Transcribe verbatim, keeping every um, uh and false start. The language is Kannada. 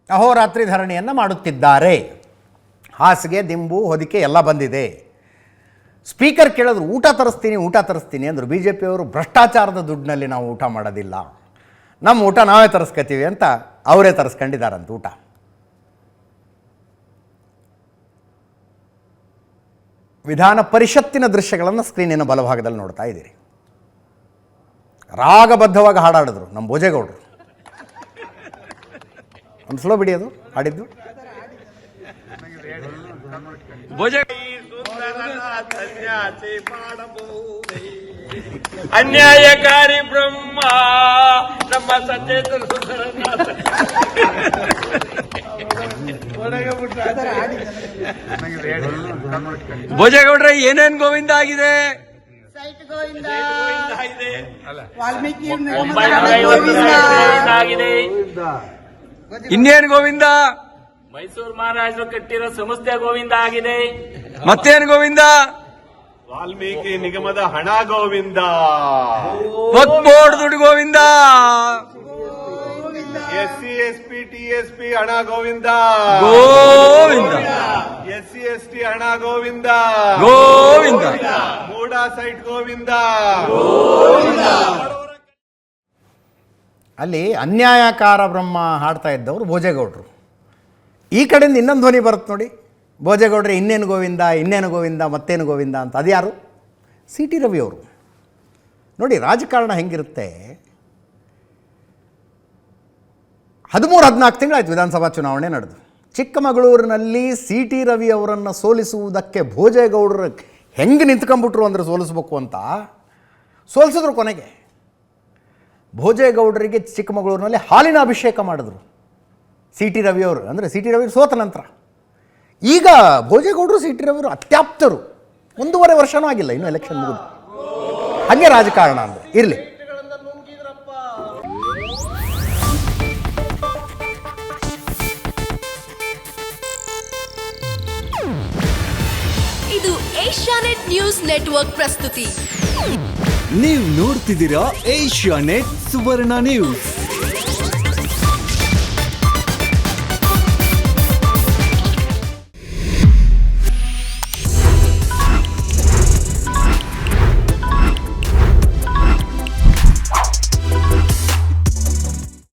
ಅಹೋರಾತ್ರಿ ಧರಣಿಯನ್ನು ಮಾಡುತ್ತಿದ್ದಾರೆ. ಹಾಸಿಗೆ ದಿಂಬು ಹೊದಿಕೆ ಎಲ್ಲ ಬಂದಿದೆ. ಸ್ಪೀಕರ್ ಕೇಳಿದ್ರು ಊಟ ತರಿಸ್ತೀನಿ ಊಟ ತರಿಸ್ತೀನಿ ಅಂದರು. ಬಿ ಜೆ ಪಿಯವರು ಭ್ರಷ್ಟಾಚಾರದ ದುಡ್ಡಿನಲ್ಲಿ ನಾವು ಊಟ ಮಾಡೋದಿಲ್ಲ, ನಮ್ಮ ಊಟ ನಾವೇ ತರಿಸ್ಕೊತೀವಿ ಅಂತ ಅವರೇ ತರಿಸ್ಕೊಂಡಿದ್ದಾರಂತ ಊಟ. ವಿಧಾನ ಪರಿಷತ್ತಿನ ದೃಶ್ಯಗಳನ್ನು ಸ್ಕ್ರೀನಿನ ಬಲಭಾಗದಲ್ಲಿ ನೋಡ್ತಾ ಇದ್ದೀರಿ. ರಾಗಬದ್ಧವಾಗಿ ಹಾಡಾಡಿದ್ರು ನಮ್ಮ ಭೋಜೇಗೌಡರು. ಒಂದು ಸ್ಲೋ ಬಿಡಿ ಅದು ಹಾಡಿದ್ದು. ಅನ್ಯಾಯಕಾರಿ ಬ್ರಹ್ಮ ನಮ್ಮ ಸಚೇತನ ಭೋಜೇಗೌಡ್ರೆ ಏನೇನ್ ಗೋವಿಂದ ಆಗಿದೆ? ಇನ್ನೇನು ಗೋವಿಂದ? ಮೈಸೂರು ಮಹಾರಾಜರು ಕಟ್ಟಿರೋ ಸಂಸ್ಥೆ ಗೋವಿಂದ ಆಗಿದೆ. ಮತ್ತೇನು ಗೋವಿಂದ? ವಾಲ್ಮೀಕಿ ನಿಗಮದ ಹಣ ಗೋವಿಂದ. ಬೋರ್ಡ್ ದುಡ್ಡು Govinda. S C S P T S P ಹಣ Govinda. Govinda. S C S T ಹಣ ಗೋವಿಂದ. ಗೋವಿಂದ. ಮೂಡಾ ಸೈಟ್ ಗೋವಿಂದ. ಅಲ್ಲಿ ಅನ್ಯಾಯಕಾರ ಬ್ರಹ್ಮ ಹಾಡ್ತಾ ಇದ್ದವರು ಭೋಜೇಗೌಡರು. ಈ ಕಡೆಯಿಂದ ಇನ್ನೊಂದು ಧ್ವನಿ ಬರುತ್ತೆ ನೋಡಿ, ಭೋಜೇಗೌಡ್ರೆ ಇನ್ನೇನು ಗೋವಿಂದ ಇನ್ನೇನು ಗೋವಿಂದ ಮತ್ತೇನು ಗೋವಿಂದ ಅಂತ. ಅದು ಯಾರು? ಸಿ ಟಿ ರವಿ ಅವರು. ನೋಡಿ ರಾಜಕಾರಣ ಹೆಂಗಿರುತ್ತೆ. ಹದಿಮೂರು ಹದಿನಾಲ್ಕು ತಿಂಗಳಾಯ್ತು ವಿಧಾನಸಭಾ ಚುನಾವಣೆ ನಡೆದು. ಚಿಕ್ಕಮಗಳೂರಿನಲ್ಲಿ ಸಿ ಟಿ ರವಿ ಅವರನ್ನು ಸೋಲಿಸುವುದಕ್ಕೆ ಭೋಜೇಗೌಡರು ಹೆಂಗೆ ನಿಂತ್ಕೊಂಡ್ಬಿಟ್ರು ಅಂದರೆ ಸೋಲಿಸ್ಬೇಕು ಅಂತ ಸೋಲಿಸಿದ್ರು. ಕೊನೆಗೆ ಭೋಜೇಗೌಡರಿಗೆ ಚಿಕ್ಕಮಗಳೂರಿನಲ್ಲಿ ಹಾಲಿನ ಅಭಿಷೇಕ ಮಾಡಿದ್ರು ಸಿ ಟಿ ರವಿಯವರು. ಅಂದರೆ ಸಿ ಟಿ ರವಿ ಸೋತ ನಂತರ ಈಗ ಭೋಜೇಗೌಡರು ಸಿ ಟಿ ರವಿಯವರು ಅತ್ಯಾಪ್ತರು. ಒಂದೂವರೆ ವರ್ಷನೂ ಆಗಿಲ್ಲ ಇನ್ನು ಎಲೆಕ್ಷನ್ ಮುಗಿದು. ಹಾಗೆ ರಾಜಕಾರಣ ಅಂದರೆ ಇರಲಿ. ಇದು ಏಷ್ಯಾನೆಟ್ ನ್ಯೂಸ್ ನೆಟ್ವರ್ಕ್ ಪ್ರಸ್ತುತಿ. ನೀವು ನೋಡ್ತಿದ್ದೀರಾ ಏಷ್ಯಾನೆಟ್ ಸುವರ್ಣ ನ್ಯೂಸ್.